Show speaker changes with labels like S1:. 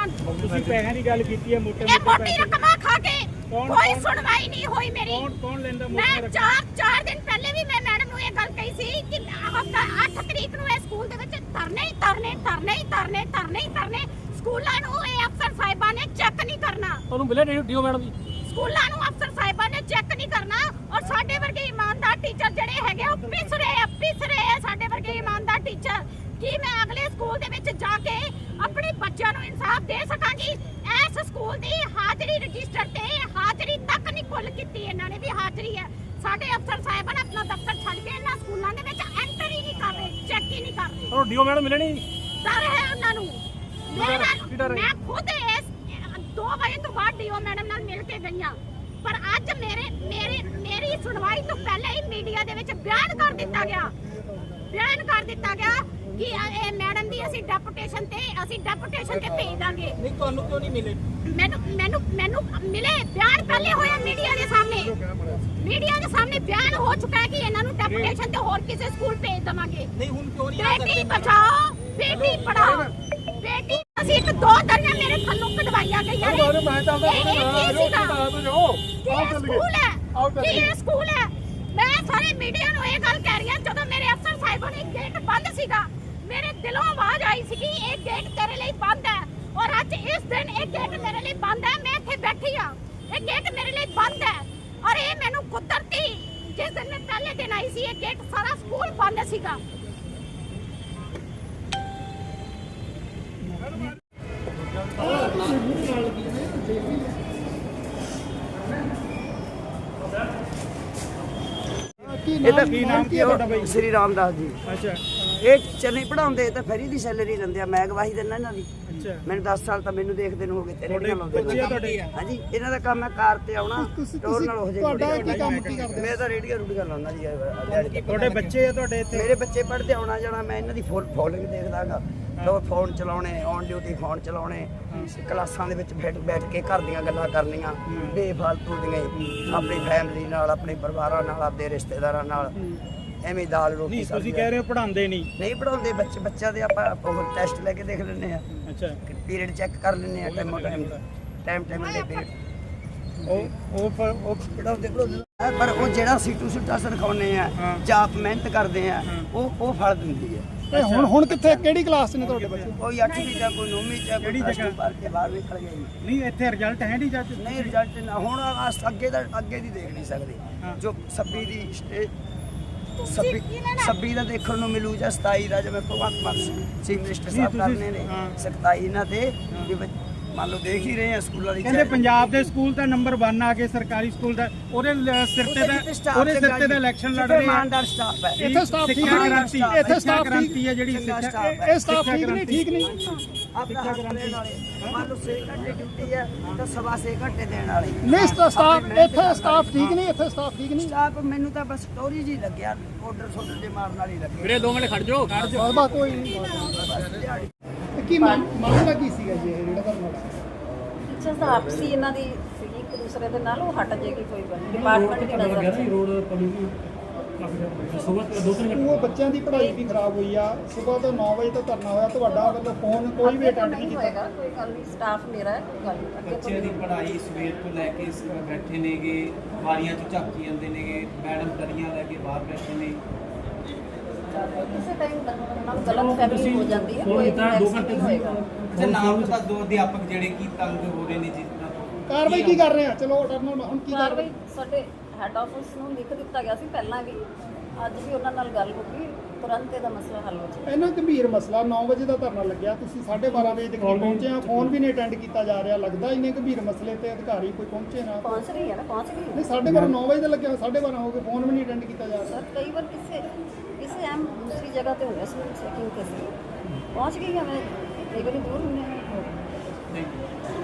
S1: ਤੁਸੀਂ ਪੈਸਿਆਂ ਦੀ ਗੱਲ ਕੀਤੀ ਹੈ, ਮੋਟੇ
S2: ਮੋਟੀ ਰਕਮਾਂ ਖਾ ਕੇ ਕੋਈ ਸੁਣਵਾਈ ਨਹੀਂ ਹੋਈ ਮੇਰੀ।
S1: ਕੌਣ ਲੈਂਦਾ
S2: ਮੈਂ 4 ਦਿਨ ਪਹਿਲੇ ਵੀ ਮੈਂ ਮੈਡਮ ਨੂੰ ਇਹ ਗੱਲ ਕਹੀ ਸੀ ਕਿ ਹਫਤਾ 8 ਤਰੀਕ ਨੂੰ ਇਹ ਸਕੂਲ ਦੇ ਵਿੱਚ ਧਰਨੇ ਸਕੂਲਾਂ ਨੂੰ ਇਹ ਅਫਸਰ ਸਾਹਿਬਾਂ ਨੇ ਚੈੱਕ ਨਹੀਂ ਕਰਨਾ।
S1: ਤੁਹਾਨੂੰ ਮਿਲੇ ਡੀਓ ਮੈਡਮ ਜੀ?
S2: ਸਕੂਲਾਂ ਨੂੰ ਅਫਸਰ ਸਾਹਿਬਾਂ ਨੇ ਚੈੱਕ ਨਹੀਂ ਕਰਨਾ ਔਰ ਸਾਡੇ ਵਰਗੇ ਇਮਾਨਦਾਰ ਟੀਚਰ ਜਿਹੜੇ ਹੈਗੇ ਉਹ ਪਿਸ ਰਹੇ ਆ ਸਾਡੇ ਵਰਗੇ ਇਮਾਨਦਾਰ ਟੀਚਰ। ਕੀ ਮੈਂ ਅਗਲੇ ਸਕੂਲ ਦੇ ਵਿੱਚ ਜਾ ਕੇ ਆਪਣੇ ਬੱਚਿਆਂ ਨੂੰ ਇਨਸਾਫ ਦੇ ਸਕਾਂਗੀ? ਇਸ ਸਕੂਲ ਦੀ ਹਾਜ਼ਰੀ ਰਜਿਸਟਰ ਤੇ ਹਾਜ਼ਰੀ ਤੱਕ ਨਹੀਂ ਖੁੱਲ ਕੀਤੀ ਇਹਨਾਂ ਨੇ ਵੀ ਹਾਜ਼ਰੀ ਹੈ। ਸਾਡੇ ਅਫਸਰ ਸਾਹਿਬਾਨ ਆਪਣਾ ਦਫ਼ਤਰ ਛੱਡ ਕੇ ਇਹਨਾਂ ਸਕੂਲਾਂ ਦੇ ਵਿੱਚ ਐਂਟਰ ਹੀ ਨਹੀਂ ਕਰ ਰਹੇ, ਚੈੱਕ ਹੀ ਨਹੀਂ ਕਰ ਰਹੇ।
S1: ਤੁਹਾਨੂੰ ਡੀਓ ਮੈਡਮ ਮਿਲੇ ਨਹੀਂ?
S2: ਡਰ ਹੈ ਉਹਨਾਂ ਨੂੰ। ਮੈਂ ਖੁਦ ਇਸ 2 ਵਜੇ ਤੋਂ ਬਾਅਦ ਡੀਓ ਮੈਡਮ ਨਾਲ ਮਿਲ ਕੇ ਗਈਆਂ, ਪਰ ਅੱਜ ਮੇਰੀ ਸੁਣਵਾਈ ਤੋਂ ਪਹਿਲਾਂ ਹੀ ਮੀਡੀਆ ਦੇ ਵਿੱਚ ਬਿਆਨ ਕਰ ਦਿੱਤਾ ਗਿਆ ਕਿ ਇਹ ਮੈਡਮ ਦੀ ਅਸੀਂ ਡੈਪੂਟੇਸ਼ਨ ਤੇ ਭੇਜ ਦਾਂਗੇ।
S1: ਨਹੀਂ, ਤੁਹਾਨੂੰ ਕਿਉਂ ਨਹੀਂ ਮਿਲੇ?
S2: ਮੈਨੂੰ ਮਿਲੇ ਬਿਆਨ ਪਹਿਲੇ ਹੋਇਆ ਮੀਡੀਆ ਦੇ ਸਾਹਮਣੇ ਬਿਆਨ ਹੋ ਚੁੱਕਾ ਹੈ ਕਿ ਇਹਨਾਂ ਨੂੰ ਡੈਪੂਟੇਸ਼ਨ ਤੇ ਹੋਰ ਕਿਸੇ ਸਕੂਲ ਭੇਜ ਦਵਾਂਗੇ।
S1: ਨਹੀਂ, ਹੁਣ ਕਿਉਂ ਨਹੀਂ?
S2: ਬੇਟੀ ਬਚਾਓ ਬੇਟੀ ਪੜਾਓ ਬੇਟੀ ਅਸੀਂ 2 ਦਰਿਆ ਮੇਰੇ ਥੱਲੋਂ ਕਢਵਾਈਆਂ ਗਈਆਂ ਨੇ। ਇਹ ਸਕੂਲ ਹੈ। ਮੈਂ ਸਾਰੇ ਮੀਡੀਆ ਨੂੰ ਇਹ ਗੱਲ ਕਹਿ ਰਹੀ ਹਾਂ, ਜਦੋਂ ਮੇਰੇ ਅਫਸਰ ਸਾਹਿਬਾਂ ਨੇ ਗੇਟ ਬੰਦ ਸੀਗਾ, ਮੇਰੇ ਦਿਲੋਂ ਆਵਾਜ਼ ਆਈ ਸੀ ਕਿ ਇਹ ਗੇਟ ਤੇਰੇ ਲਈ ਬੰਦ ਹੈ ਔਰ ਅੱਜ ਇਸ ਦਿਨ ਇਹ ਗੇਟ ਮੇਰੇ ਲਈ ਬੰਦ ਹੈ। ਮੈਂ ਇੱਥੇ ਬੈਠੀ ਹਾਂ, ਇਹ ਗੇਟ ਮੇਰੇ ਲਈ ਬੰਦ ਹੈ ਔਰ ਇਹ ਮੈਨੂੰ ਕੁਦਰਤੀ ਜਿਸ ਦਿਨ ਮੈਂ ਪਹਿਲੇ ਦਿਨ ਆਈ ਸੀ ਇਹ ਗੇਟ ਸਾਰਾ ਸਕੂਲ ਬੰਦ ਸੀਗਾ।
S3: ਇਹਦਾ ਕੀ ਨਾਮ ਕੀ ਹੈ ਤੁਹਾਡਾ ਬਾਈ?
S1: ਸ੍ਰੀ ਰਾਮਦਾਸ ਜੀ।
S3: ਅੱਛਾ
S1: ਇਹ ਟੀਚਰ ਨਹੀਂ ਪੜਾਉਂਦੇ ਤਾਂ ਫਰੀ ਦੀ ਸੈਲਰੀ ਲੈਂਦੇ ਆ। ਮੈਂ ਗਵਾਹੀ ਦਿੰਦਾ ਇਹਨਾਂ ਦੀ।
S3: ਅੱਛਾ,
S1: ਮੈਨੂੰ 10 ਸਾਲ ਤਾਂ ਮੈਨੂੰ ਦੇਖਦੇ ਨੂੰ ਹੋ ਗਏ। ਤੇਰੇ ਨਾਲ ਲਾਉਂਦੇ
S3: ਬੱਚੇ ਆ ਤੁਹਾਡੇ?
S1: ਹਾਂਜੀ, ਇਹਨਾਂ ਦਾ ਕੰਮ ਹੈ ਕਾਰ ਤੇ ਆਉਣਾ, ਟੋਰ ਨਾਲ ਹੋ
S3: ਤੁਹਾਡਾ ਕੀ
S1: ਜਾਏ।
S3: ਕੰਮ ਕੀ ਕਰਦੇ?
S1: ਮੈਂ ਤਾਂ ਰੇਡੀਓ ਲਾਉਂਦਾ ਜੀ।
S3: ਤੁਹਾਡੇ ਬੱਚੇ ਆ ਤੁਹਾਡੇ ਇੱਥੇ?
S1: ਮੇਰੇ ਬੱਚੇ ਪੜ੍ਹਦੇ ਆਉਣਾ ਜਾਣਾ, ਮੈਂ ਇਹਨਾਂ ਦੀ ਫੋਲੋਇੰਗ ਦੇਖਦਾਗਾ। ਲੋ ਫੋਨ ਚਲਾਉਣੇ, ਔਨ ਡਿਊਟੀ ਫੋਨ ਚਲਾਉਣੇ, ਕਲਾਸਾਂ ਦੇ ਵਿੱਚ ਬੈਠ ਕੇ ਘਰ ਦੀਆਂ ਗੱਲਾਂ ਕਰਨੀਆਂ ਬੇਫਾਲਤੂ ਦੀਆਂ, ਆਪਣੀ ਫੈਮਿਲੀ ਨਾਲ, ਆਪਣੇ ਪਰਿਵਾਰਾਂ ਨਾਲ, ਆਪਣੇ ਰਿਸ਼ਤੇਦਾਰਾਂ ਨਾਲ ਐਵੇਂ ਦਾਲ ਰੋਟੀ।
S3: ਨਹੀਂ, ਤੁਸੀਂ ਕਹਿ ਰਹੇ ਹੋ ਪੜਾਉਂਦੇ ਨਹੀਂ
S1: ਪੜਾਉਂਦੇ। ਬੱਚਿਆਂ ਦੇ ਆਪਾਂ ਟੈਸਟ ਲੈ ਕੇ ਦੇਖ ਲੈਂਦੇ ਆ।
S3: ਅੱਛਾ,
S1: ਪੀਰੀਅਡ ਚੈੱਕ ਕਰ ਲੈਂਦੇ ਆ ਟਾਈਮ ਦੇ ਪੀਰੀਅਡ।
S3: ਉਹ
S1: ਪੜਾਉਂਦੇ ਪਰ ਉਹ ਜਿਹੜਾ ਸੀਟੂ ਸੁੱਟਾ ਸਿਖਾਉਂਦੇ ਆ ਜਾਂ ਆਪ ਮਿਹਨਤ ਕਰਦੇ ਆ ਉਹ ਫਲ ਦਿੰਦੀ ਹੈ।
S3: ਹੁਣ ਕਿੱਥੇ ਕਿਹੜੀ ਕਲਾਸ 'ਚ ਨੇ ਤੁਹਾਡੇ ਬੱਚੇ?
S1: ਕੋਈ 8ਵੀਂ ਜਾਂ ਕੋਈ 9ਵੀਂ ਜਾਂ
S3: ਕਿਹੜੀ ਜਗ੍ਹਾ?
S1: ਪੜ੍ਹ ਕੇ ਬਾਹਰ ਨਿਕਲ ਗਏ।
S3: ਨਹੀਂ, ਇੱਥੇ ਰਿਜ਼ਲਟ ਹੈ ਨਹੀਂ ਜੱਜ?
S1: ਨਹੀਂ, ਰਿਜ਼ਲਟ ਨਾ ਹੁਣ ਅੱਗੇ ਦੀ ਦੇਖ ਨਹੀਂ ਸਕਦੇ। ਜੋ 26 ਦੀ 26 ਦਾ ਦੇਖਣ ਨੂੰ ਮਿਲੂ ਜਾਂ 27 ਦਾ, ਜਿਵੇਂ ਭਗਵੰਤ ਮਾਨ ਸਿੰਘ ਮਿਨਿਸਟਰ ਸਾਹਿਬ ਕਰਨੇ ਨੇ 27 ਇਹਨਾਂ ਤੇ ਮੰਨ ਲਓ ਦੇਖ ਹੀ ਰਹੇ ਆ ਸਕੂਲਾਂ ਦੀ।
S3: ਕਹਿੰਦੇ ਪੰਜਾਬ ਦੇ ਸਕੂਲ ਦਾ ਨੰਬਰ 1 ਆ ਕੇ ਸਰਕਾਰੀ ਸਕੂਲ ਦਾ ਉਹਦੇ ਸਿਰ ਤੇ ਦਾ ਇਲੈਕਸ਼ਨ ਲੜ ਰਹੇ ਆ।
S1: ਇਮਾਨਦਾਰ ਸਟਾਫ ਹੈ।
S3: ਇੱਥੇ ਸਟਾਫ ਠੀਕ ਨਹੀਂ, ਇੱਥੇ ਸਟਾਫ ਕ੍ਰਾਂਤੀ ਹੈ ਜਿਹੜੀ ਇਹ ਸਟਾਫ ਠੀਕ ਨਹੀਂ।
S1: ਆਪਣਾ ਮੰਨ ਲਓ 6 ਘੰਟੇ ਡਿਊਟੀ ਹੈ ਤਾਂ 6.5 ਘੰਟੇ ਦੇਣ ਵਾਲੇ
S3: ਨਹੀਂ। ਸਟਾਫ ਇੱਥੇ ਸਟਾਫ ਠੀਕ ਨਹੀਂ, ਇੱਥੇ ਸਟਾਫ ਠੀਕ ਨਹੀਂ।
S1: ਸਟਾਫ ਮੈਨੂੰ ਤਾਂ ਬਸ ਸਟੋਰੀ ਜੀ ਲੱਗਿਆ, ਆਰਡਰ ਦੇ ਮਾਰਨ ਵਾਲੀ ਲੱਗੇ।
S4: ਵੀਰੇ 2 ਮਿੰਟ ਖੜ ਜਾਓ।
S3: ਬਸ ਕੋਈ ਨਹੀਂ। ਕੀ ਮਾਮਲਾ ਕੀ ਸੀਗਾ ਜੀ ਜਿਹੜਾ ਧਰਨਾ?
S5: ਟੀਚਰਸ ਦਾ ਆਪਸੀ ਇਹਨਾਂ ਦੀ ਸੀਗੀ ਇੱਕ ਦੂਸਰੇ ਦੇ ਨਾਲ, ਉਹ ਹਟ ਜਾਏਗੀ ਕੋਈ ਗੱਲ ਡਿਪਾਰਟਮੈਂਟ ਦੀ ਨਜ਼ਰ 'ਚ।
S3: ਉਹ ਬੱਚਿਆਂ ਦੀ ਪੜ੍ਹਾਈ ਵੀ ਖਰਾਬ ਹੋਈ ਆ। ਸਵੇਰ ਤੋਂ 9 ਵਜੇ ਤੋਂ ਧਰਨਾ ਹੋਇਆ, ਤੁਹਾਡਾ ਵੱਲੋਂ ਫੋਨ ਕੋਈ ਵੀ ਅਟੈਂਡ ਨਹੀਂ ਕੀਤਾ?
S5: ਹੋਏਗਾ, ਕੋਈ ਗੱਲ ਨਹੀਂ, ਸਟਾਫ ਮੇਰਾ ਹੈ, ਕੋਈ ਗੱਲ ਨਹੀਂ।
S4: ਬੱਚਿਆਂ ਦੀ ਪੜ੍ਹਾਈ ਸਵੇਰ ਤੋਂ ਲੈ ਕੇ ਬੈਠੇ ਨੇਗੇ, ਵਾਰੀਆਂ 'ਚ ਝਾਕੀ ਜਾਂਦੇ ਨੇਗੇ, ਮੈਡਮ ਦਰੀਆਂ ਲੈ ਕੇ ਬਾਹਰ ਬੈਠੇ ਨੇ।
S5: ਕਿਸੇ ਟਾਈਮ ਨਾਲ ਗਲਤ ਫਹਿਮੀ ਹੋ ਜਾਂਦੀ ਹੈ, ਕੋਈ 2 ਘੰਟੇ ਹੋਏਗਾ।
S4: ਤੇ ਨਾਮ ਤਾਂ 2 ਅਧਿਆਪਕ ਜਿਹੜੇ ਕੀ ਤੰਗ ਹੋ ਰਹੇ ਨੇ ਜਿਸ ਤਰ੍ਹਾਂ
S3: ਕਾਰਵਾਈ ਕੀ ਕਰ ਰਹੇ ਆ? ਚਲੋ ਆਰਡਰ ਨਾਲ ਹੁਣ ਕੀ
S5: ਕਾਰਵਾਈ ਸਾਡੇ ਹੈੱਡ ਆਫਿਸ ਨੂੰ ਲਿਖ ਦਿੱਤਾ ਗਿਆ ਸੀ ਪਹਿਲਾਂ ਵੀ, ਅੱਜ ਵੀ ਉਹਨਾਂ ਨਾਲ ਗੱਲ ਹੋ ਗਈ, ਤੁਰੰਤ ਇਹਦਾ ਮਸਲਾ ਹੱਲ ਹੋ ਜਾਏ।
S3: ਇੰਨਾ ਗੰਭੀਰ ਮਸਲਾ 9 ਵਜੇ ਦਾ ਧਰਨਾ ਲੱਗਿਆ, ਤੁਸੀਂ 12:30 ਵਜੇ ਤੱਕ ਪਹੁੰਚੇ ਆ, ਫੋਨ ਵੀ ਨਹੀਂ ਅਟੈਂਡ ਕੀਤਾ ਜਾ ਰਿਹਾ। ਲੱਗਦਾ ਇੰਨੇ ਗੰਭੀਰ ਮਸਲੇ ਤੇ ਅਧਿਕਾਰੀ ਕੋਈ ਪਹੁੰਚੇ ਨਾ?
S5: ਪਹੁੰਚ ਰਹੀ ਹੈ ਨਾ, ਪਹੁੰਚ ਗਈ
S3: ਨਹੀਂ, 12:30 9 ਵਜੇ ਦਾ ਲੱਗਿਆ, 12:30 ਹੋ ਗਏ, ਫੋਨ ਵੀ ਨਹੀਂ ਅਟੈਂਡ ਕੀਤਾ ਜਾ ਰਿਹਾ।
S5: ਸਰ ਕਈ ਵਾਰ ਕਿਸੇ ਅਹਿਮ ਦੂਸਰੀ ਜਗ੍ਹਾ ਤੇ ਹੋਇਆ ਸੀ ਚੈਕਿੰਗ ਤੇ ਸੀ, ਪਹੁੰਚ ਗਈ ਹਾਂ ਮੈਂ, ਕਈ ਵਾਰੀ ਦੂਰ ਹੁੰਦੇ ਹਾਂ।
S4: ਨਹੀਂ